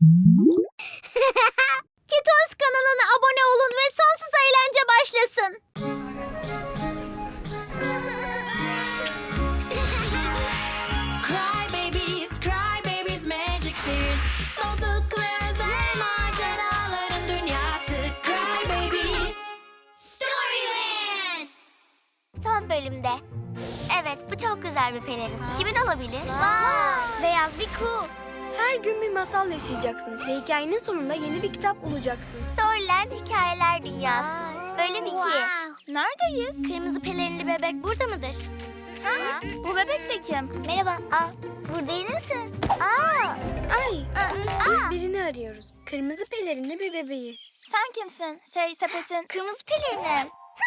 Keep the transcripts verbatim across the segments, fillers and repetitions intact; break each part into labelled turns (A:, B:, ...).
A: Kitos kanalına abone olun ve sonsuz eğlence başlasın.
B: Cry babies, cry babies, magic tears. Dostlukla özel maceraların dünyası. Cry babies.
A: Storyland. Son bölümde. Evet, bu çok güzel bir pelerin. Kimin olabilir? Vay. Beyaz bir kuğu.
C: Her gün bir masal yaşayacaksın ve hikayenin sonunda yeni bir kitap bulacaksın.
A: Storyland Hikayeler Dünyası. Bölüm iki. Neredeyiz? Kırmızı pelerinli bebek burada mıdır? Ha? Bu bebek de kim? Merhaba. Aa, burada yeni misiniz? Aa.
C: Ay,
A: Aa.
C: biz birini arıyoruz. Kırmızı pelerinli bir bebeği.
A: Sen kimsin? Şey, sepetin. Kırmızı pelerinim.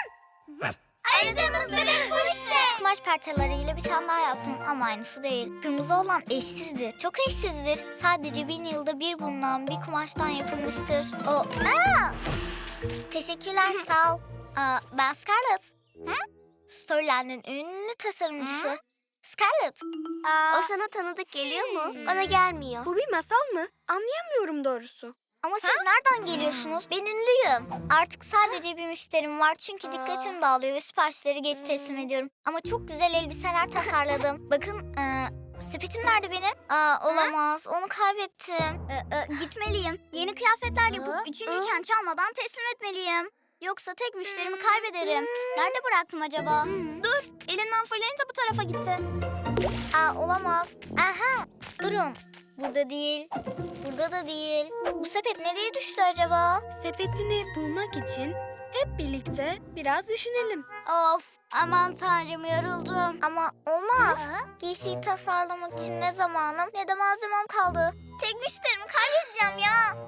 A: Aradığımız bebek bu işte. Kumaş parçalarıyla bir tane daha yaptım ama aynısı değil. Kırmızı olan eşsizdir. Çok eşsizdir. Sadece bin yılda bir bulunan bir kumaştan yapılmıştır. O... Aa! Teşekkürler, sağ ol. Aa, ben Scarlett. Hı? Storyland'in ünlü tasarımcısı. Hı? Scarlett. Aa, o sana tanıdık geliyor mu? Bana gelmiyor.
C: Bu bir masal mı? Anlayamıyorum doğrusu.
A: Ama siz nereden geliyorsunuz? Ben ünlüyüm. Artık sadece bir müşterim var çünkü dikkatim dağılıyor ve siparişleri geç teslim ediyorum. Ama çok güzel elbiseler tasarladım. Bakın, e, sepetim nerede benim? Aa, olamaz, onu kaybettim. E, e, gitmeliyim. Yeni kıyafetler yapıp üçüncüyken çalmadan teslim etmeliyim. Yoksa tek müşterimi kaybederim. Nerede bıraktım acaba? Dur, elinden fırlayınca bu tarafa gitti. Aa, olamaz. Aha, durun. Burada değil, burada da değil. Bu sepet nereye düştü acaba?
C: Sepetini bulmak için hep birlikte biraz düşünelim.
A: Of, aman tanrım, yoruldum. Ama olmaz. Giysiyi tasarlamak için ne zamanım ne de malzemem kaldı. Tek müşterimi kaybedeceğim ya.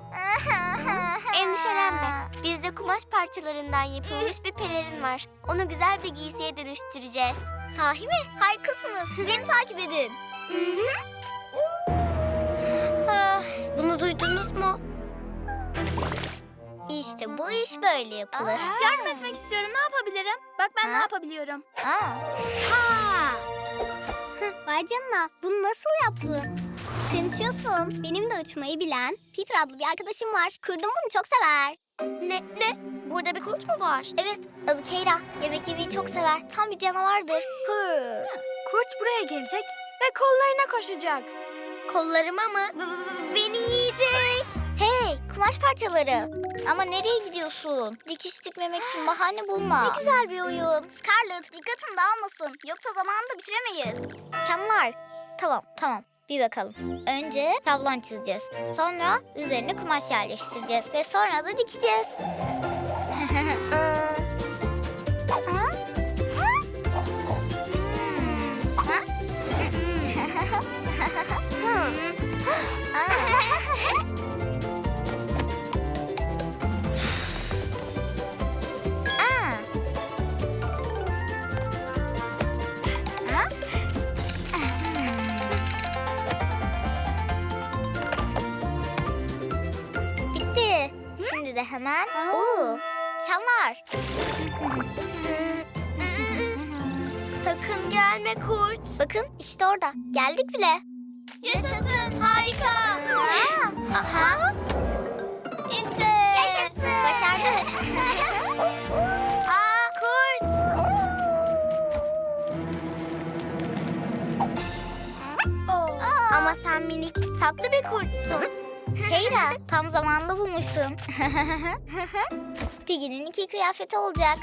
A: Endişelenme. Bizde kumaş parçalarından yapılmış bir pelerin var. Onu güzel bir giysiye dönüştüreceğiz. Sahi mi? Harikasınız. Beni takip edin. Ah, bunu duydunuz mu? İşte bu iş böyle yapılır.
D: Yardım etmek istiyorum. Ne yapabilirim? Bak ben
A: Ha?
D: ne yapabiliyorum.
A: Aa. Ha. Vay canına, bunu nasıl yaptın? Sen uçuyorsun. Benim de uçmayı bilen Peter adlı bir arkadaşım var. Kurdum bunu, çok sever.
D: Ne? Ne? Burada bir kurt mu var?
A: Evet, adı Keyra. Yemek yemeyi çok sever. Tam bir canavardır. Hı.
C: Kurt buraya gelecek ve kollarına koşacak.
D: Kollarıma mı?
A: B- Beni yiyecek. Hey, kumaş parçaları. Ama nereye gidiyorsun? Dikiş dikmemek için bahane bulma. Ne güzel bir oyun. Scarlett, dikkatin dağılmasın. Yoksa zamanında bitiremeyiz. Çamlar. Tamam, tamam. Bir bakalım. Önce tablon çizeceğiz. Sonra üzerine kumaş yerleştireceğiz. Ve sonra da dikeceğiz. Ha? Ha? Bitti. Şimdi de hemen Oo, çamlar.
D: Sakın gelme kurt.
A: Bakın işte orada. Geldik bile.
D: Yaşasın. Harika.
A: Aa, aha.
D: İşte.
A: Yaşasın. Başardık.
D: Aa, kurt.
A: Aa.
D: Ama sen minik tatlı bir kurtsun.
A: Keyra, tam zamanında bulmuşsun. Piggy'nin iki kıyafeti olacak.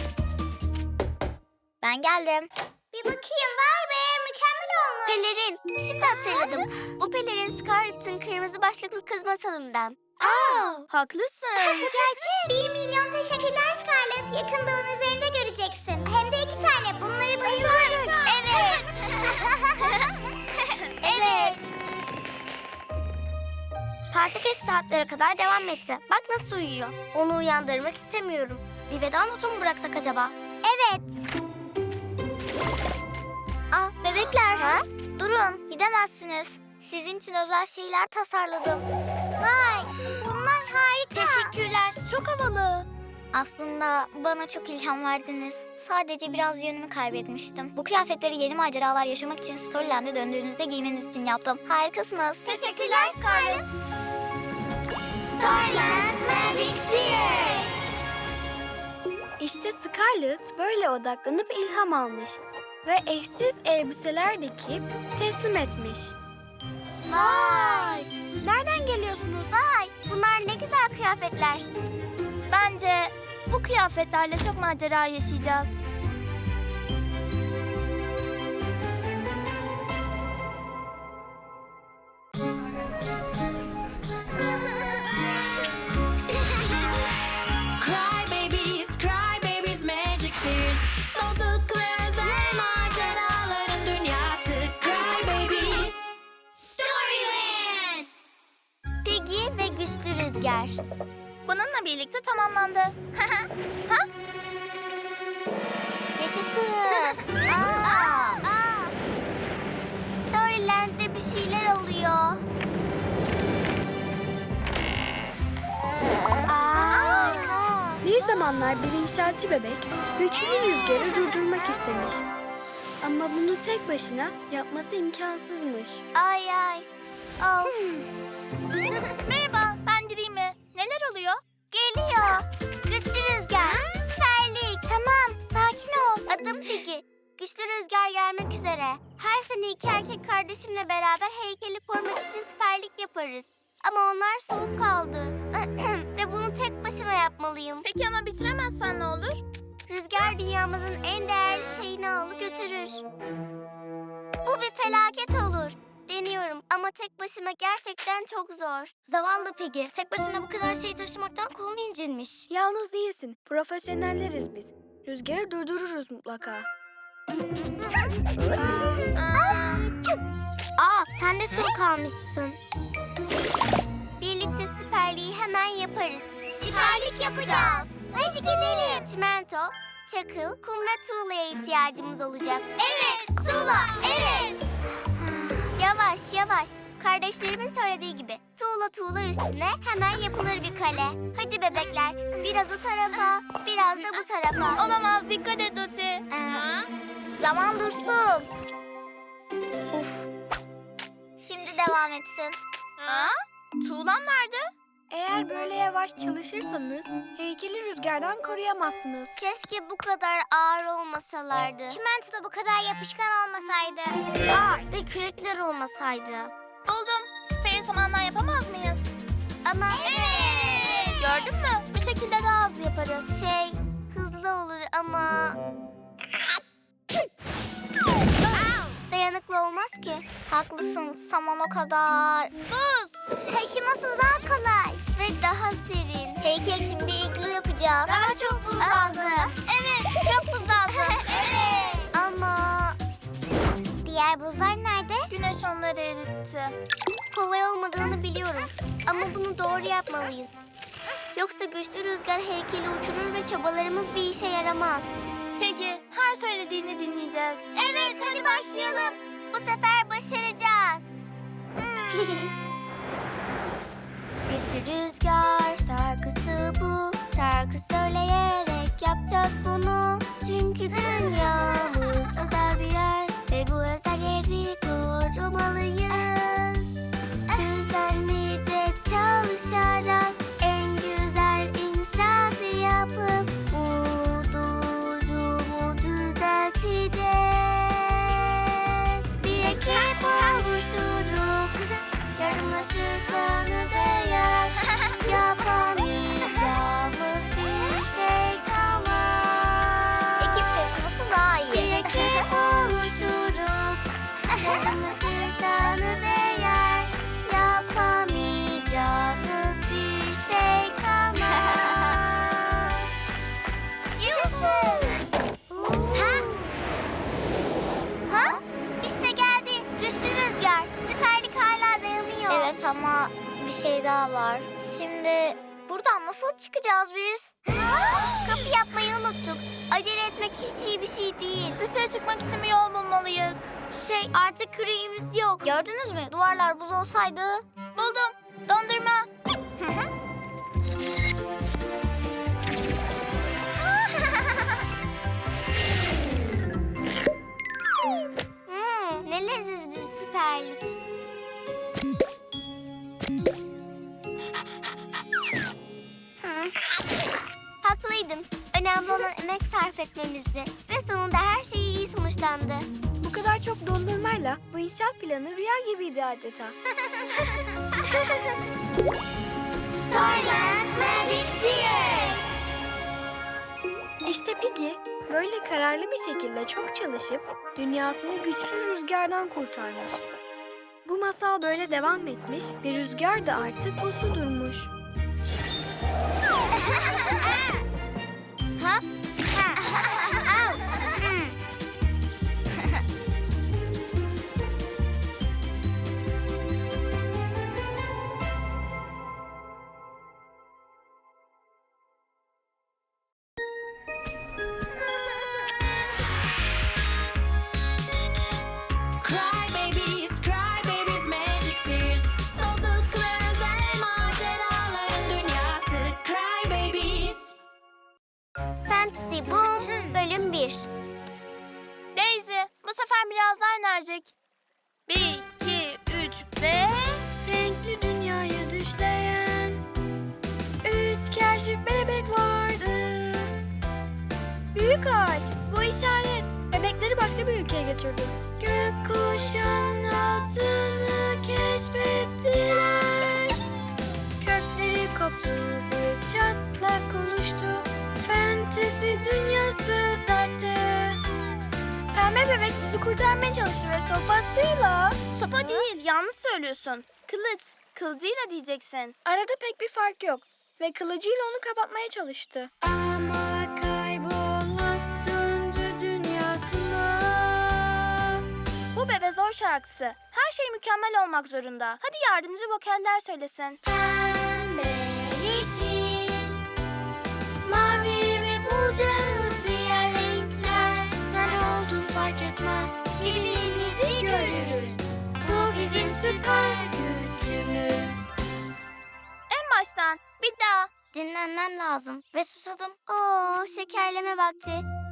A: Ben geldim. Bir bakayım, vay be, mükemmel olmuş. Pelerin, şimdi hatırladım. Bu pelerin Scarlett'ın kırmızı başlıklı kız masalından. Aa,
D: Haklısın.
A: gerçek. Bir milyon teşekkürler Scarlett. Yakında onun üzerinde göreceksin. Hem de iki tane. Bunları bayılırım. Evet. Evet.
D: Parti geç saatlere kadar devam etse. Bak nasıl uyuyor. Onu uyandırmak istemiyorum. Bir veda notu mu bıraksak acaba?
A: Evet. Ah, bebekler. Durun, gidemezsiniz. Sizin için özel şeyler tasarladım. Vay, bunlar harika.
D: Teşekkürler. Çok havalı.
A: Aslında bana çok ilham verdiniz. Sadece biraz yönümü kaybetmiştim. Bu kıyafetleri yeni maceralar yaşamak için Storyland'e döndüğünüzde giymeniz için yaptım. Harikasınız.
D: Teşekkürler Scarlett.
C: İşte Scarlett böyle odaklanıp ilham almış ve eşsiz elbiseler dikip teslim etmiş.
D: Vay!
C: Nereden geliyorsunuz?
D: Vay! Bunlar ne güzel kıyafetler.
E: Bence bu kıyafetlerle çok macera yaşayacağız.
B: Cry babies, cry babies, magic tears. Dostluk ve özel maceraların dünyası. Cry babies.
D: Storyland! Piggy ve Güçlü Rüzgar.
E: Bununla birlikte tamamlandı.
A: Yaşasın. Aa.
D: Aa! Storyland'de bir şeyler oluyor.
A: Harika.
C: Bir zamanlar bir inşaatçı bebek güçlü rüzgarı durdurmak istemiş. Ama bunu tek başına yapması imkansızmış.
D: Ay ay. Of.
E: Merhaba, ben Dreamy. Neler oluyor?
D: Geliyor. Güçlü Rüzgar. Süperlik. Tamam, sakin ol. Adım Piggy. Güçlü Rüzgar gelmek üzere. Her sene iki erkek kardeşimle beraber heykeli korumak için siperlik yaparız. Ama onlar soğuk kaldı. Ve bunu tek başıma yapmalıyım.
E: Peki ama bitiremezsen ne olur?
D: Rüzgar dünyamızın en değerli şeyini alıp götürür. Bu bir felaket olur. Deniyorum ama tek başıma gerçekten çok zor. Zavallı Piggy. Tek başına bu kadar şey taşımaktan kolun incinmiş.
C: Yalnız değilsin. Profesyonelleriz biz. Rüzgarı durdururuz mutlaka.
D: Aa, sen de soğuk kalmışsın. Birlikte siperliği hemen yaparız. Siperlik yapacağız. Hadi gidelim. Çimento, çakıl, kum ve tuğlaya ihtiyacımız olacak. Evet, tuğla, evet. Yavaş yavaş. Kardeşlerimin söylediği gibi tuğla tuğla üstüne hemen yapılır bir kale. Hadi bebekler, biraz o tarafa, biraz da bu tarafa.
E: Olamaz, dikkat et Doti.
A: Ee, zaman dursun. Uf. Şimdi devam etsin.
E: Aa, tuğlan nerede?
C: Eğer böyle yavaş çalışırsanız heykeli rüzgardan koruyamazsınız.
D: Keşke bu kadar ağır olmasalardı. Çimento da bu kadar yapışkan olmasaydı. Aa, ve kürekler olmasaydı.
E: Buldum. Speri samandan yapamaz mıyız?
D: Ama evet.
E: Gördün mü? Bu şekilde daha hızlı yaparız.
D: Şey, hızlı olur ama... Dayanıklı olmaz ki.
A: Haklısın. Saman o kadar.
D: Buz. Taşıması daha kolay. Ve daha serin.
A: Heykel için bir iglu yapacağız.
D: Daha çok buz lazım. Evet, çok buz lazım. Evet. Ama... Diğer buzlar nerede?
E: Güneş onları eritti.
D: Kolay olmadığını biliyorum. Ama bunu doğru yapmalıyız. Yoksa güçlü rüzgar heykeli uçurur ve çabalarımız bir işe yaramaz.
E: Peki, her söylediğini dinleyeceğiz.
D: Evet, hadi başlayalım. Bu sefer başaracağız. Güçlü rüzgar şarkısı bu. Şarkı söyleyerek yapacağız bunu. Çünkü dünyamız özel bir yer ve bu özel yeri korumalıyız. Düzenlice çalışarak en güzel inşaatı yapıp bu durumu düzelteceğiz. Bir ekip oluşturup yardımlaşırsanız eğer yapamayacağımız bir şey kalmaz.
A: Ekip çalışması daha
D: Bir
A: iyi.
D: ekip oluşturup yardımlaşırsanız eğer yapamayacağınız bir şey kalmaz. Yaşasın! Ha? Ha? İşte geldi. Güçlü rüzgar. Siperlik hala dayanıyor.
A: Evet ama bir şey daha var. Şimdi buradan nasıl çıkacağız biz?
D: Kapı yapmayı unuttuk. Acele etmek hiç iyi bir şey değil.
E: Dışarı çıkmak için bir yol bulmalıyız.
D: Şey, artık küreğimiz yok.
A: Gördünüz mü? Duvarlar buz olsaydı.
E: Buldum. Dondurma.
D: Hmm, ne leziz bir siperlik. Haklıydın. Önemli önemli olan emek sarf etmemizdi. Ve sonunda her şey iyi sonuçlandı.
C: Bu kadar çok dondurmayla bu inşaat planı rüya gibiydi adeta.
D: Starland Magic Tears.
C: İşte Piggy böyle kararlı bir şekilde çok çalışıp dünyasını güçlü rüzgardan kurtarmış. Bu masal böyle devam etmiş ve rüzgar da artık uslu durmuş.
D: Ha? Au. Hmm.
B: Cry babies, cry babies, magic tears. Dostlukla özel maceraların dünyası. Cry babies.
D: Fantasy Boom bölüm bir.
E: Daisy, bu sefer biraz daha enerjik. Bir, iki, üç ve...
C: Renkli dünyaya düşleyen üç kaşif bebek vardı. Büyük ağaç, bu işaret. Bebekleri başka bir ülkeye götürdü. Gökkuşağının altını keşfettiler. Kökleri koptu, bir çatlak oluştu. Fantezi dünyası dertte. Pembe bebek bizi kurtarmaya çalıştı ve sopasıyla...
E: Sopa değil, yanlış söylüyorsun. Kılıç, kılıcıyla diyeceksin.
C: Arada pek bir fark yok ve kılıcıyla onu kapatmaya çalıştı. Ama kaybolup döndü dünyasına.
E: Bu Bebe Zor şarkısı. Her şey mükemmel olmak zorunda. Hadi yardımcı vokaller söylesin.
C: Pembe, yeşil, mavi ve bulacağımız diğer renkler. Nerede olduğunu fark etmez, birbirimizi görürüz. Bu bizim süper gücümüz.
E: En baştan, bir daha.
D: Dinlenmem lazım ve susadım. Oo, şekerleme vakti.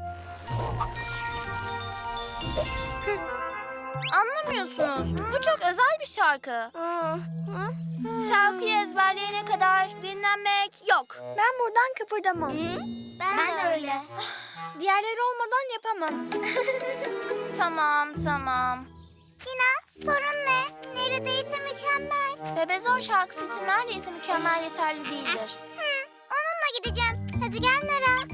E: Anlamıyorsunuz. Bu çok özel bir şarkı. Şarkıyı ezberleyene kadar dinlenmek yok.
C: Ben buradan kıpırdamam.
D: Ben,
E: Ben
D: de
E: de
D: öyle.
C: Diğerleri olmadan yapamam.
E: Tamam, tamam.
D: Yine sorun ne? Neredeyse mükemmel.
E: Bebe Zor şarkısı için neredeyse mükemmel yeterli değildir.
D: Hı, onunla gideceğim. Hadi gel Nara.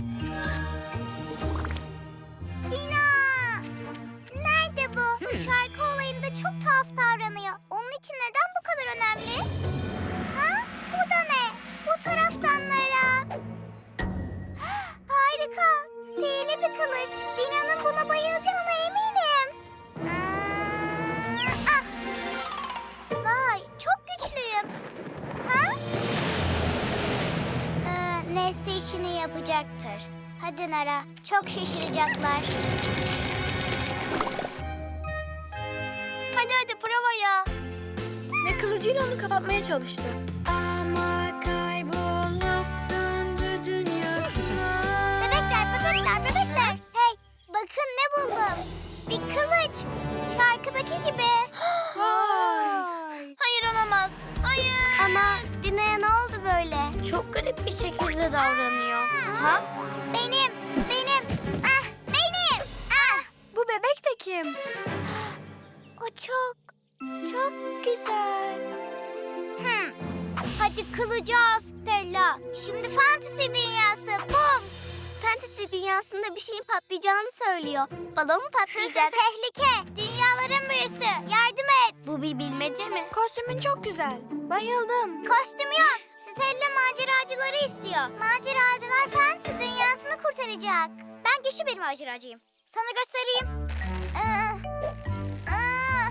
D: Dina! Nerede bu? Bu şarkı olayında çok tuhaf davranıyor. Onun için neden bu kadar önemli? Ha? Bu da ne? Bu taraftan Nara. Harika. Sihirli bir kılıç. Dina'nın buna bayılacağına eminim. Hmm, ah. Vay, çok güçlüyüm. Ha? Ee, Nesli işini yapacaktır. Hadi Nara, çok şaşıracaklar.
E: Hadi hadi provaya.
C: Ve kılıcıyla onu kapatmaya çalıştı. Ama kaybolup döndü dünyasına.
D: Bebekler, bebekler, bebekler. Hey, bakın ne buldum. Bir kılıç. Şarkıdaki gibi.
C: Vay!
E: Hayır olamaz. Hayır.
D: Ama Dina'ya ne oldu böyle?
E: Çok garip bir şekilde davranıyor.
D: Ha? Benim, benim. Ah, benim. Ah.
C: Bu bebek de kim?
D: O çok, çok güzel. Hmm. Hadi kılıcı al Stella. Şimdi fantezi dünyası. Bum. Fantezi dünyasında bir şeyin patlayacağını söylüyor. Balon mu patlayacak? Tehlike. Dünyaların büyüsü. Yardım et. Bu bir bilmece mi?
C: Kostümün çok güzel. Bayıldım.
D: Kostüm yok. Stella maceracıları istiyor. Maceracılar fantezi dünyasını kurtaracak. Ben güçlü bir maceracıyım. Sana göstereyim. Aa, aa.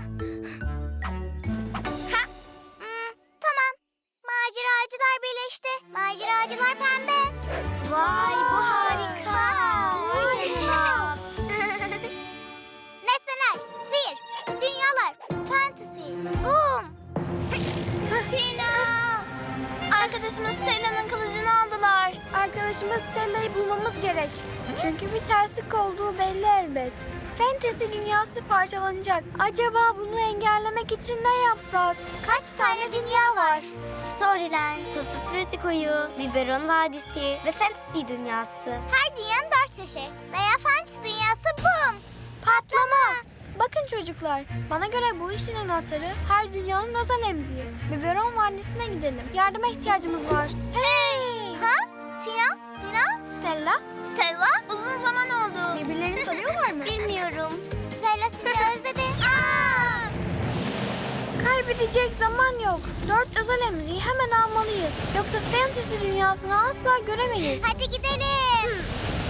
D: Ha. Hmm, tamam. Maceracılar birleşti. Maceracılar pembe. Vay bu harika. Vay canına. Nesneler, sihir, dünyalar, fantezi, boom.
E: Tina. Arkadaşımız Stella'nın kılıcını aldılar.
C: Arkadaşımız Stella'yı bulmamız gerek. Çünkü bir terslik olduğu belli elbet. Fantasy dünyası parçalanacak. Acaba bunu engellemek için ne yapsak?
D: Kaç tane dünya var? Storyland, Tutti Frutti Koyu, Biberon Vadisi ve Fantasy dünyası. Her dünyanın dört yaşı veya Fantasy dünyası boom! Patlama!
C: Bakın çocuklar, bana göre bu işin anahtarı her dünyanın özel emziği. Biberon Vadisi'ne gidelim. Yardıma ihtiyacımız var. Hey!
D: Ha? Tina? Tina?
C: Stella,
D: Stella? Uzun zaman oldu.
C: birbirlerini tanıyorlar mı?
D: Bilmiyorum. Stella sizi özledi. Aa!
C: Kaybedecek zaman yok. Dört özel emziği hemen almalıyız. Yoksa Fantasy dünyasını asla göremeyiz.
D: Hadi gidelim.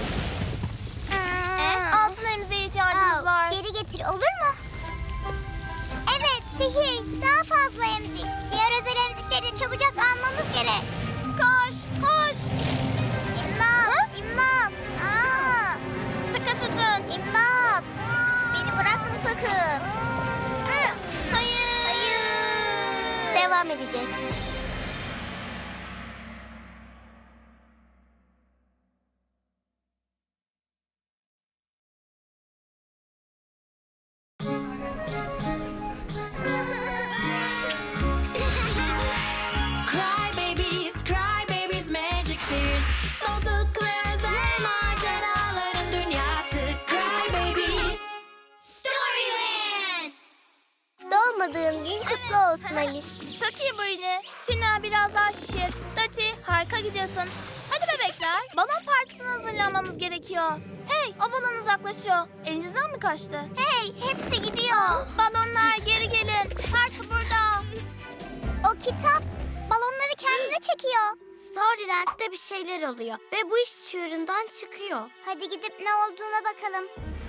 E: Ee, altın emziğe ihtiyacımız
D: Aa,
E: var.
D: Geri getir olur mu? Evet sihir. Daha fazla emzik. Diğer özel emzikleri de çabucak almamız gerek. Koş koş. İmdat. İmdat. Aa. Sıkı tutun. İmdat. Beni bırakma sakın. Hı. Hayır. Hayır. Devam edecek.
B: Cry babies, cry babies, magic tears. Dostluk ve özel maceraların dünyası. Cry babies.
D: Storyland. Doğmadığın gün kutlu olsun Alice.
E: Çok iyi Britney. Tina biraz daha şişir. Dati harika gidiyorsun. Hadi bebekler. Balon partisine hazırlanmamız gerekiyor. Hey, o balon uzaklaşıyor. Elinizden mi kaçtı?
D: Hey, hepsi gidiyor.
E: Balonlar geri gelin. Parti burada.
D: O kitap balonları kendine çekiyor. Storyland'de bir şeyler oluyor ve bu iş çığırından çıkıyor. Hadi gidip ne olduğuna bakalım.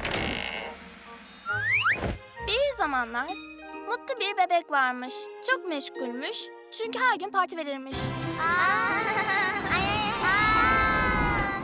E: Bir zamanlar mutlu bir bebek varmış. Çok meşgulmüş. Çünkü her gün parti verirmiş.
D: Aa, ay, ay, aa.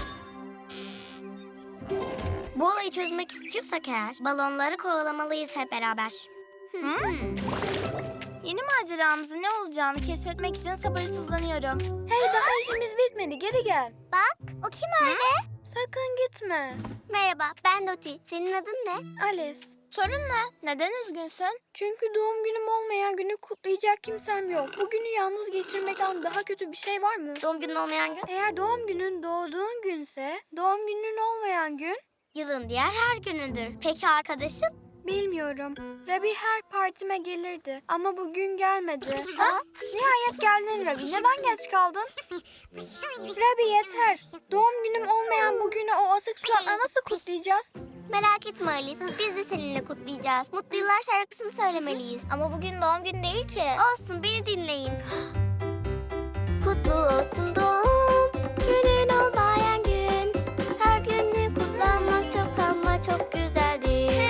D: Bu olayı çözmek istiyorsak eğer balonları kovalamalıyız hep beraber.
E: Hmm. Yeni maceramızın ne olacağını keşfetmek için sabırsızlanıyorum.
C: Hey, daha işimiz bitmedi. Geri gel.
D: Bak, o kim öyle?
C: Sakın gitme.
D: Merhaba, ben Doti. Senin adın ne?
C: Alice.
E: Sorun ne? Neden üzgünsün?
C: Çünkü doğum günüm olmayan günü kutlayacak kimsem yok. Bu günü yalnız geçirmekten daha kötü bir şey var mı?
D: Doğum günün olmayan gün?
C: Eğer doğum günün doğduğun günse, doğum günün olmayan gün
D: Yılın diğer her günüdür. Peki arkadaşın?
C: bilmiyorum. Rabbi her partime gelirdi ama bugün gelmedi. Ha? Nihayet geldin Rabbi. Neden geç kaldın? Rabbi yeter. Doğum günüm olmayan bugünü o asık suratla nasıl kutlayacağız?
D: Merak etme Alice. Biz de seninle kutlayacağız. Mutlu Yıllar şarkısını söylemeliyiz.
A: Ama bugün doğum günü değil ki.
D: Olsun beni dinleyin. Kutlu olsun doğum günün olmayan gün. Her günü kutlamak çok ama çok güzeldir.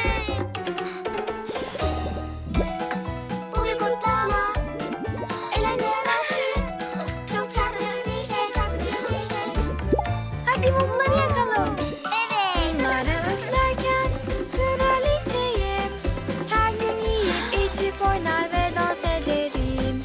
D: Bu bir kutlama. Eğlence vakti. Çok çarpıcı bir şey, çarpıcı bir şey.
C: Hadi mumları yakalım.
D: Evet.
C: Bunları üflerken kraliçeyim. Her gün yiyip içip oynar ve dans ederim.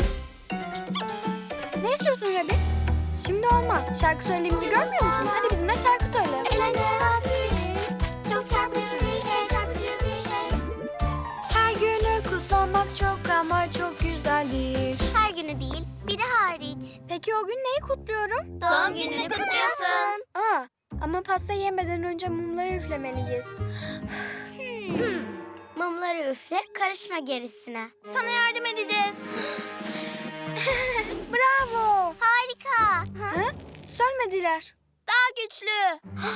C: Ne istiyorsun Rabbi? Şimdi olmaz. Şarkı söylediğimizi görmüyor musun? Hadi bizimle şarkı söyle.
D: Eğlence vakti. Çok çarpıcı bir şey, çarpıcı bir şey.
C: Her günü kutlamak çok ama çok güzeldir.
D: Her günü değil, biri hariç.
C: Peki o gün neyi kutluyorum?
D: Doğum gününü kutluyorsun.
C: Aa, ama pasta yemeden önce mumları üflemeliyiz.
D: Mumları üfle, karışma gerisine.
E: Sana yardım edeceğiz.
C: Bravo.
D: Harika.
C: Ha? Sönmediler.
E: Daha güçlü.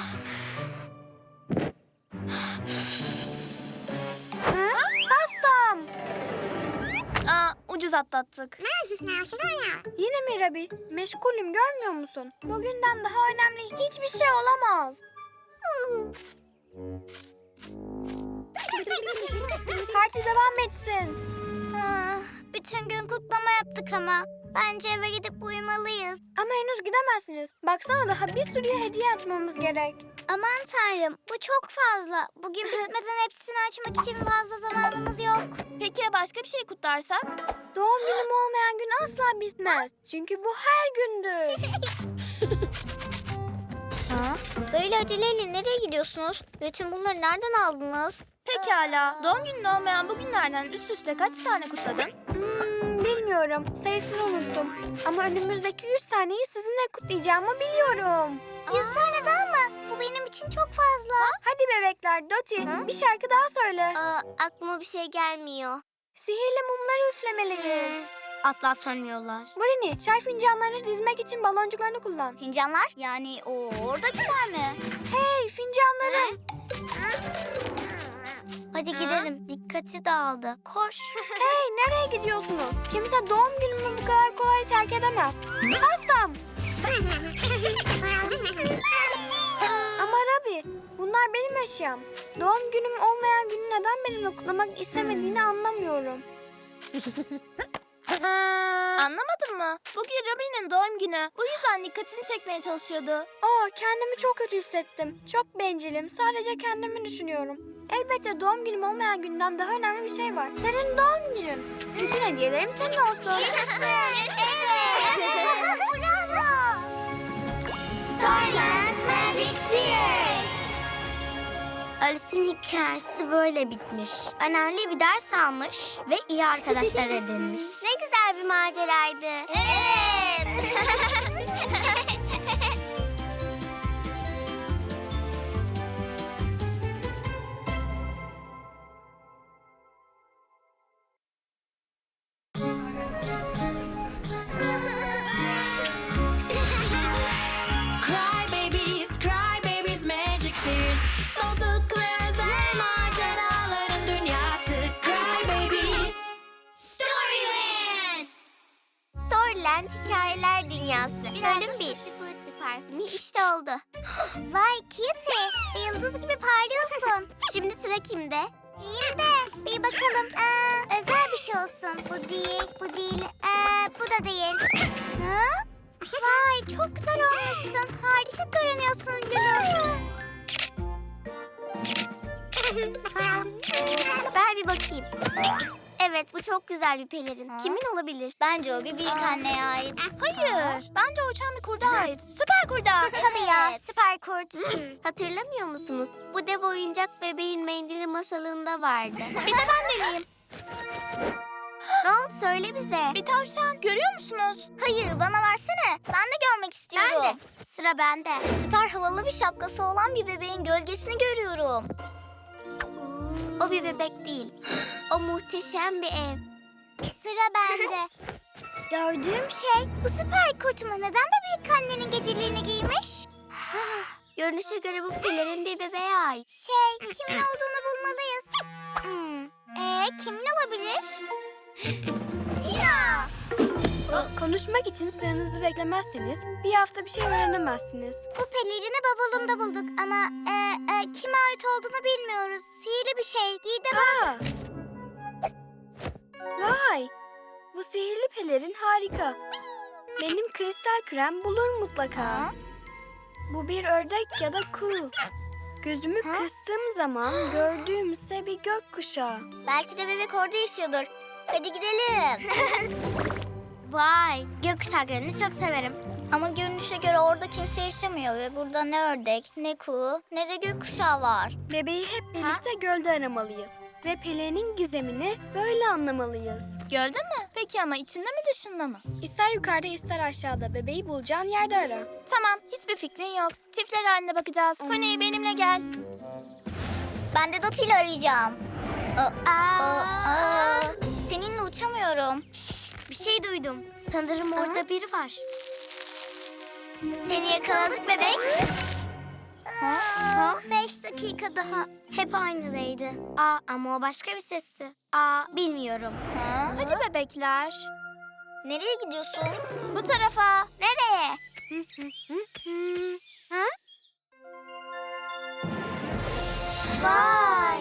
C: Ha? Pastam.
E: Aa, ucuz atlattık.
C: Yine mi Rabbi? Meşgulüm görmüyor musun? Bugünden daha önemli hiçbir şey olamaz. Parti devam etsin.
D: Ah, bütün gün kutlama yaptık ama. Bence eve gidip uyumalıyız.
C: Ama henüz gidemezsiniz. Baksana daha bir sürü hediye açmamız gerek.
D: Aman tanrım, bu çok fazla. Bugün bitmeden hepsini açmak için fazla zamanımız yok.
E: Peki ya başka bir şey kutlarsak?
C: Doğum günüm olmayan gün asla bitmez. Çünkü bu her gündür.
A: Ha? Böyle aceleyle nereye gidiyorsunuz? Bütün bunları nereden aldınız?
E: Pekala. Doğum günün olmayan bu günlerden üst üste kaç tane kutladın?
C: Hmm, bilmiyorum. Sayısını unuttum. Ama önümüzdeki yüz taneyi sizinle kutlayacağımı biliyorum.
D: Yüz tane daha mı? Bu benim için çok fazla.
C: Hadi bebekler, Doti,
D: Hı?
C: bir şarkı daha söyle.
D: Aa, aklıma bir şey gelmiyor.
C: Sihirli mumları üflemeliyiz.
D: Asla sönmüyorlar.
C: Marini, çay fincanlarını dizmek için baloncuklarını kullan.
A: Fincanlar? Yani o oradakiler mi?
C: Hey, fincanlarım.
D: Hadi gidelim. Dikkati dağıldı. Koş.
C: Hey, nereye gidiyorsunuz? Kimse doğum günümü bu kadar kolay terk edemez. Pastam. Ama Rabi, bunlar benim eşyam. Doğum günüm olmayan günü neden benimle kutlamak istemediğini anlamıyorum.
E: Anlamadın mı? Bugün Robin'in doğum günü. Bu yüzden dikkatini çekmeye çalışıyordu.
C: Aa, kendimi çok kötü hissettim. Çok bencilim. Sadece kendimi düşünüyorum. Elbette doğum günüm olmayan günden daha önemli bir şey var. Senin doğum günün. Bütün hediyelerim senin olsun.
D: Bravo. Starland Magic Tears. Alice'in hikayesi böyle bitmiş. Önemli bir ders almış ve iyi arkadaşlar edinmiş. Ne güzel bir maceraydı. Evet.
B: Cry babies, cry babies, magic tears. Dostluk ve özel maceraların dünyası. Cry babies.
D: Storyland. Storyland Hikayeler Dünyası. Bölüm bir. Frutti parfümü işte oldu. Vay Cutie, bir yıldız gibi parlıyorsun. Şimdi sıra kimde? Benim de. Bir bakalım. Ee, özel bir şey olsun. Bu değil, bu değil, ee, bu da değil. Ha? Vay çok güzel olmuşsun. Harika görünüyorsun gülüm. Ver bir bakayım. Evet bu çok güzel bir pelerin.
A: Ha?
D: Kimin olabilir?
A: Bence o bir büyük anneye ait.
E: Hayır. Bence o uçan bir kurda ait. Süper kurda.
D: Tabii ya, süper kurt. Hatırlamıyor musunuz? Bu dev oyuncak bebeğin mendili masalında vardı.
E: Bir de ben deneyeyim.
D: Ne oldu söyle bize.
E: Bir tavşan. Görüyor musunuz?
A: Hayır, bana versene. Ben de görmek istiyorum.
D: Ben de. Sıra bende.
A: Süper havalı bir şapkası olan bir bebeğin gölgesini görüyorum.
D: O bir bebek değil. O muhteşem bir ev. Sıra bende. Gördüğüm şey bu süper kurt mu? Neden bebek annenin geceliğini giymiş? Görünüşe göre bu pelerin bir bebeğe ait. Şey, kimin olduğunu bulmalıyız. Hmm. Ee, kimin olabilir? Tina!
C: Konuşmak için sıranızı beklemezseniz bir hafta bir şey öğrenemezsiniz.
D: Bu pelerini bavulumda bulduk ama e, e, kime ait olduğunu bilmiyoruz. Sihirli bir şey. Giy de bak.
C: Aa! Vay! Bu sihirli pelerin harika. Benim kristal kürem bulur mutlaka.
A: Ha?
C: Bu bir ördek ya da kuğu. Gözümü
A: Ha?
C: kıstığım zaman gördüğümse bir gökkuşağı.
A: Belki de bebek orada yaşıyordur. Hadi gidelim.
D: Vay, gökkuşağı görünüşü çok severim.
A: Ama görünüşe göre orada kimse yaşamıyor ve burada ne ördek, ne kuğu, ne de gökkuşağı var.
C: Bebeği hep birlikte gölde aramalıyız. Ve pelerinin gizemini böyle anlamalıyız.
E: Gölde mi? Peki ama içinde mi dışında mı?
C: İster yukarıda ister aşağıda bebeği bulacağın yerde ara.
E: Tamam. Hiçbir fikrin yok. Çiftler halinde bakacağız. Honey benimle gel.
A: Ben de Dot ile arayacağım. Aa,
D: Aa,
A: aa, aa. Seninle uçamıyorum.
D: bir şey duydum. Sanırım orada biri var. Seni yakaladık bebek.
A: Ha?
D: Beş dakika daha. Hep aynıdaydı. Aa, ama o başka bir sesti. Aa, bilmiyorum.
A: Ha?
E: Hadi bebekler.
A: Nereye gidiyorsun?
E: Bu tarafa.
D: Nereye?
C: Ha?
D: Vay.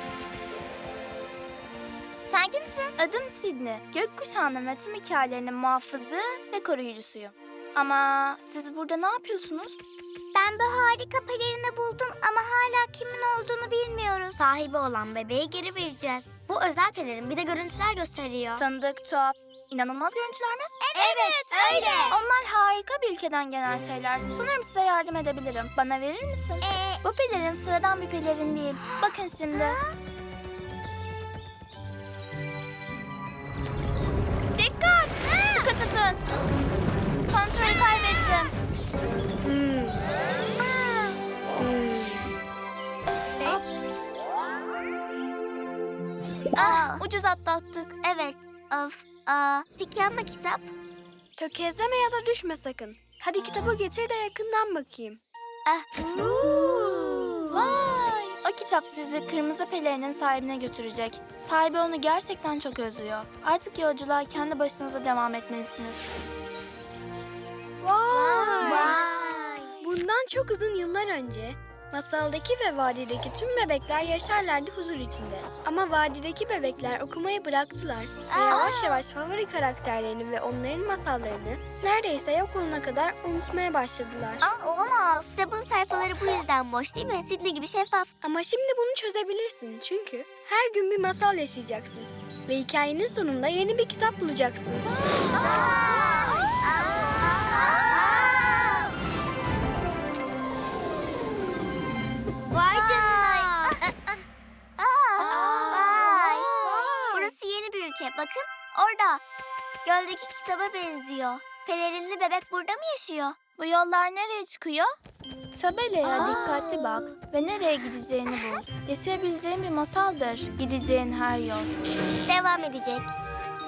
E: Sen kimsin? Adım Sidney. Gökkuşağının ve tüm hikayelerinin muhafızı ve koruyucusuyum. Ama siz burada ne yapıyorsunuz?
D: Ben bu harika pelerini buldum ama hala kimin olduğunu bilmiyoruz. Sahibi olan bebeği geri vereceğiz. Bu özel pelerin bize görüntüler gösteriyor.
E: Tanıdık, tuhaf. İnanılmaz görüntüler mi?
D: Evet, öyle.
E: Onlar harika bir ülkeden gelen şeyler. Sanırım size yardım edebilirim. Bana verir misin?
D: Ee,
E: Bu pelerin sıradan bir pelerin değil. Bakın şimdi. Dikkat! Sıkı tutun. Kontrolü kaybettim. Ah, ucuz atlattık.
D: evet. Of. Aa, peki ama kitap?
C: Tökezleme ya da düşme sakın. Hadi kitabı getir de yakından bakayım.
D: Ah.
E: Vay! O kitap sizi kırmızı pelerinin sahibine götürecek. Sahibi onu gerçekten çok özlüyor. Artık yolculuğa kendi başınıza devam etmelisiniz.
C: Vay!
D: Vay.
C: Bundan çok uzun yıllar önce masaldaki ve vadideki tüm bebekler yaşarlardı huzur içinde. Ama vadideki bebekler okumayı bıraktılar ve yavaş yavaş favori karakterlerini ve onların masallarını neredeyse yok olana kadar unutmaya başladılar.
D: Aa, olamaz. Kitabın sayfaları bu yüzden boş değil mi? Sidney gibi şeffaf.
C: Ama şimdi bunu çözebilirsin çünkü her gün bir masal yaşayacaksın ve hikayenin sonunda yeni bir kitap bulacaksın.
D: Vay canına. Vay. Burası yeni bir ülke. Bakın orada. Göldeki kitaba benziyor. Pelerinli bebek burada mı yaşıyor?
E: Bu yollar nereye çıkıyor? Tabelaya
D: Aa.
E: dikkatli bak ve nereye gideceğini bul. Yaşayabileceğin bir masaldır gideceğin her yol.
D: Devam edecek.